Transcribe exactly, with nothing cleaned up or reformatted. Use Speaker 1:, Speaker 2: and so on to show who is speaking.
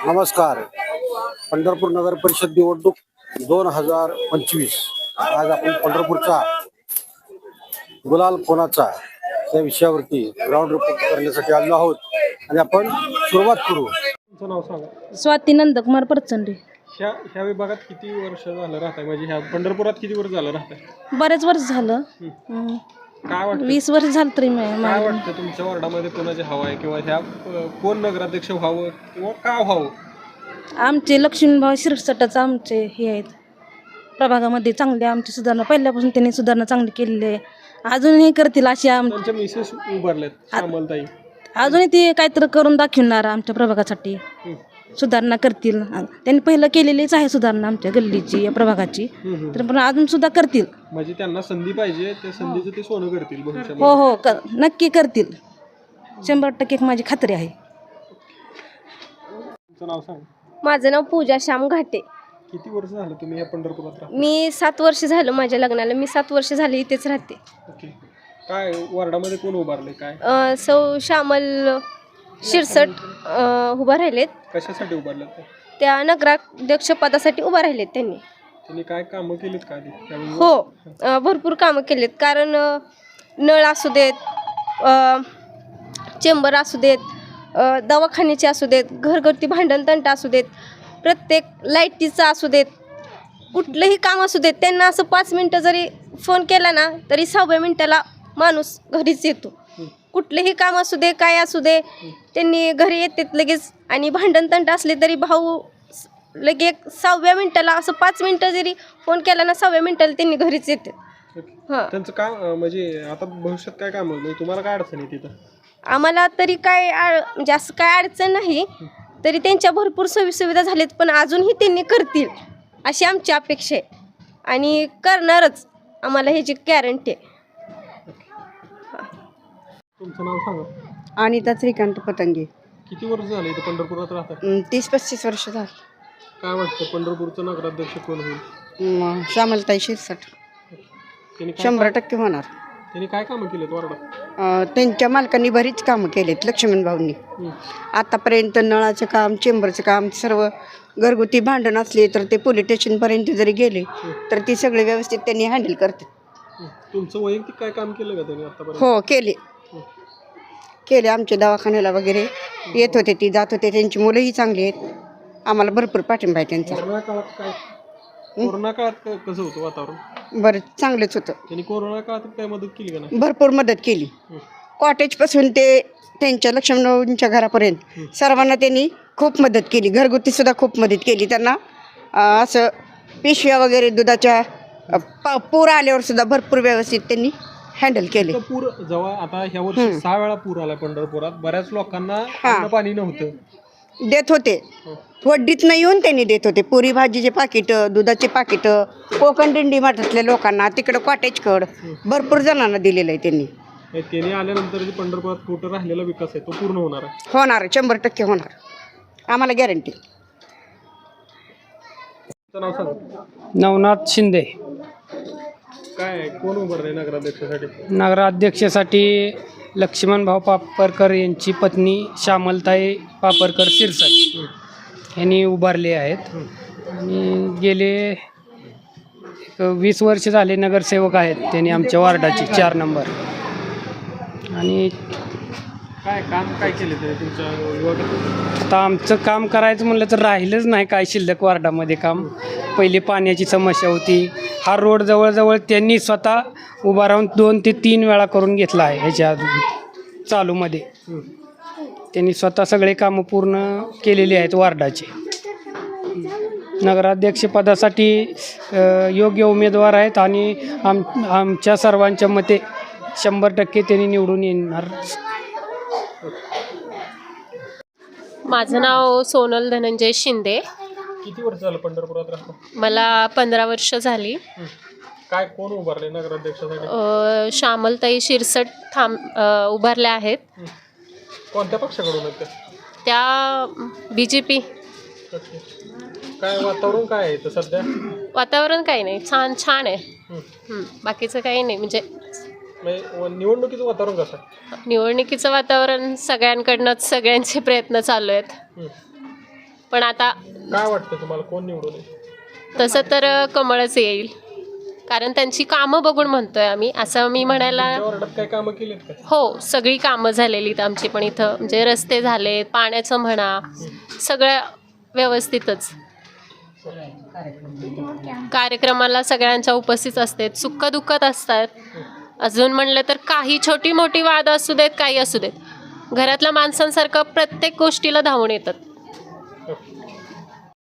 Speaker 1: नमस्कार. पंढरपूर नगर परिषद निवडणूक दोन हजार पंचवीस. आज आपण पंढरपूरचा गुलाल कोणाचा या विषयावरती ग्राउंड रिपोर्ट करण्यासाठी आलो आहोत आणि आपण सुरुवात करू.
Speaker 2: तुमचं नाव सांगा.
Speaker 3: स्वाती नंदकुमार परचंडे.
Speaker 2: ह्या ह्या विभागात किती वर्ष झालं राहताय, म्हणजे ह्या पंढरपुरात किती वर्ष झालं राहताय?
Speaker 3: बरेच वर्ष झालं. हम्म.
Speaker 2: काय वाटतं
Speaker 3: वीस वर्ष झालं तरी मी
Speaker 2: काय
Speaker 3: मा-
Speaker 2: वाटतं तुमच्या वॉर्डामध्ये कोणाचे हवा आहे, किंवा ह्या अ, कोण नगराध्यक्ष व्हावं किंवा का व्हावं?
Speaker 3: आमचे लक्ष्मीभाऊ शिरसटाचं आमचे हे आहेत प्रभागामध्ये चांगले आमची सुधारणा पहिल्यापासून त्यांनी सुधारणा चांगली केलेली आहे. अजूनही करतील अशी आम
Speaker 2: त्यांच्या मिसेस उभारल्यात श्यामलताई.
Speaker 3: अजूनही ते काहीतरी करून दाखवणार आमच्या प्रभागासाठी.
Speaker 2: हं.
Speaker 3: सुधारणा करतील. त्यांनी पहिलं केलेलीच आहे सुधारणा आमच्या गल्लीची या प्रभागाची.
Speaker 2: हं, हं.
Speaker 3: तर पण अजून सुद्धा करतील.
Speaker 2: म्हणजे त्यांना संधी पाहिजे, त्या संधीचं ते सोनं करतील
Speaker 3: हो
Speaker 2: भविष्यामध्ये.
Speaker 3: हो क नक्की करतील. शंभर टक्के माझी खात्री आहे.
Speaker 2: तुमचं नाव सांग.
Speaker 4: माझं नाव पूजा श्याम घाटे.
Speaker 2: किती वर्ष झालं तुम्ही या पंढरपुरात राहता?
Speaker 4: मी सात वर्ष झालं माझ्या लग्नाला. मी सात वर्ष झाली इथेच राहते.
Speaker 2: ओके. काय वॉर्डामध्ये कोण उभारले, काय
Speaker 4: अं, सौ श्यामल शिरसट अं, उभा राहिलेत.
Speaker 2: कशासाठी उभारल्यात ते?
Speaker 4: त्या नगराध्यक्ष पदासाठी उभा राहिलेत त्यांनी.
Speaker 2: त्यांनी काय कामं केलीत का आधी त्यावेळी?
Speaker 4: हो अं, भरपूर कामं केलेत. कारण अं, नळ असू देत, अं, चेंबर असू देत, अं, दवाखान्याचे असू देत, घरगुती भांडण तंटा असू देत, प्रत्येक लाईटीचं असू देत, कुठलंही काम असू देत, त्यांना असं पाच मिनटं जरी फोन केला ना तरी सहाव्या मिनटाला माणूस घरीच येतो. कुठलेही काम असू दे, काय असू दे, त्यांनी घरी येतात लगेच. आणि भांडण तंट असले तरी भाऊ लगे सहाव्या मिनटाला असं पाच मिनटं जरी फोन केला ना सहाव्या मिनटाला त्यांनी घरीच येतात.
Speaker 2: ओके.
Speaker 4: हां,
Speaker 2: त्यांचं काम अं, म्हणजे आता भविष्यात काय काम म्हणजे तुम्हाला काय अडचण आहे तिथं?
Speaker 4: आम्हाला तरी काय आड म्हणजे असं काय अडचण नाही. तरी त्यांच्या भरपूर सोयीसुविधा झाल्यात, पण अजूनही त्यांनी करतील अशी आमची अपेक्षा आहे. आणि करणारच, आम्हाला ह्याची गॅरंटी आहे.
Speaker 2: तुमचं नाव सांगा.
Speaker 5: अनिता श्रीकांत पतंगे.
Speaker 2: किती वर्ष झाले इथं पंढरपुरात राहतात?
Speaker 5: अं, तीस पस्तीस वर्ष झाली.
Speaker 2: काय वाटतं पंढरपूरचं नगराध्यक्ष कोण होईल?
Speaker 5: म, श्यामलताई शिरसाट
Speaker 2: त्यांनी काय
Speaker 5: शंभर टक्के होणार.
Speaker 2: त्यांनी काय कामं केलेत वार्डात?
Speaker 5: अं, त्यांच्या मालकांनी बरीच कामं केलेत लक्ष्मण भाऊंनी.
Speaker 2: हं.
Speaker 5: आतापर्यंत नळाचं काम, चेंबरचं काम, सर्व घरगुती भांडण असले तर ते पोलीस स्टेशनपर्यंत जरी गेले तर ती सगळे व्यवस्थित त्यांनी हँडल करतात.
Speaker 2: हं. तुमचं वैयक्तिक काय काम केलं का त्यांनी आतापर्यंत?
Speaker 5: हो केले केले आमच्या दवाखान्याला वगैरे येत होते, ती जात होते. त्यांची मुलंही चांगली आहेत. आम्हाला भरपूर पाठिंबा आहे त्यांचा.
Speaker 2: कोरोना काळात काय कोरोना काळात क- कसं होतं वातावरण?
Speaker 5: बरं चांगलंच होतं.
Speaker 2: त्यांनी कोरोना काळात काय मदत केली का नाही?
Speaker 5: भरपूर मदत केली.
Speaker 2: हं.
Speaker 5: कॉटेजपासून ते त्यांच्या लक्ष्मणरावांच्या घरापर्यंत सर्वांना त्यांनी खूप मदत केली. घरगुतीसुद्धा खूप मदत केली त्यांना. अं, असं पिशव्या वगैरे दुधाच्या अं, पा पूर आल्यावर सुद्धा भरपूर व्यवस्थित त्यांनी हँडल केले.
Speaker 2: इतकं पूर जेव्हा आता ह्या वर्षी सहा वेळा पूर आला पंढरपुरात, बऱ्याच लोकांना अन्न पाणी नव्हतं.
Speaker 5: देत होते, वड्डीतनं येऊन त्यांनी देत होते. पुरी भाजीचे पाकिटं, दुधाचे पाकिटं, कोकण दिंडी मठातल्या लोकांना, तिकडं कॉटेजकड भरपूर जणांना दिलेलं आहे त्यांनी.
Speaker 2: हे त्यांनी आल्यानंतर जे पंढरपुरात कुठं राहिलेला विकास आहे तो पूर्ण होणार आहे.
Speaker 5: होणार, शंभर टक्के होणार, आम्हाला गॅरंटी.
Speaker 2: तुमचं नाव सांगा.
Speaker 6: नवनाथ शिंदे.
Speaker 2: काय आहे? कोण उभारले नगराध्यक्षासाठी?
Speaker 6: नगराध्यक्षासाठी लक्ष्मणभाऊ पापरकर यांची पत्नी श्यामलताई पापरकर शिरसाट यांनी उभारले आहेत. आणि गेले एक वीस वर्ष झाले नगरसेवक आहेत त्यांनी आमच्या वार्डाचे चार नंबर. आणि
Speaker 2: काय काम काय केले ते तुमच्या विभागात?
Speaker 6: आता आमचं काम करायचं म्हणलं तर राहिलंच नाही काय शिल्लक वार्डामध्ये काम. पहिली पाण्याची समस्या होती. हा रोड जवळजवळ त्यांनी स्वतः उभा राहून दोन ते तीन वेळा करून घेतला आहे. ह्याच्या चालूमध्ये त्यांनी स्वतः सगळे कामं पूर्ण केलेली आहेत वार्डाचे. नगराध्यक्षपदासाठी अ, योग्य उमेदवार आहेत आणि आम आमच्या सर्वांच्या मते शंभर टक्के त्यांनी निवडून येणार.
Speaker 7: माझं नाव सोनल धनंजय शिंदे.
Speaker 2: किती वर्ष झालं पंढरपुरात राहता?
Speaker 7: मला पंधरा वर्ष झाली.
Speaker 2: काय कोण उभारले नगराध्यक्षासाठी?
Speaker 7: अ, श्यामलताई शिरसट थांब अ, उभारल्या आहेत.
Speaker 2: कोणत्या पक्षाकडून आहेत त्या?
Speaker 7: त्या बी जे पी.
Speaker 2: ओके. काय वातावरण काय आहे इथं सध्या?
Speaker 7: वातावरण काही नाही, छान छान आहे.
Speaker 2: हं.
Speaker 7: हं, बाकीचं काही नाही. म्हणजे
Speaker 2: म्हणजे निवडणुकीचं वातावरण कसं आहे?
Speaker 7: निवडणुकीचं वातावरण सगळ्यांकडनंच सगळ्यांचे प्रयत्न चालू आहेत.
Speaker 2: हं.
Speaker 7: पण आता
Speaker 2: काय वाटतं तुम्हाला कोण निवडून येईल?
Speaker 7: तसं तर अ, कमळच येईल, कारण त्यांची कामं बघून म्हणतोय आम्ही. असं मी म्हणायला,
Speaker 2: तुमच्या वार्डात काय कामं केलीत का?
Speaker 7: हो सगळी कामं झालेली आहेत आमची पण इथं, म्हणजे रस्ते झालेत, पाण्याचं म्हणा, सगळं व्यवस्थितच. कार्यक्रमाला सगळ्यांच्या उपस्थित असतात, सुखदुःखात असतात. अजून म्हणलं तर काही छोटी मोठी वाद असू देत, काही असू देत, घरातल्या माणसांसारखं प्रत्येक गोष्टीला धावून येतात.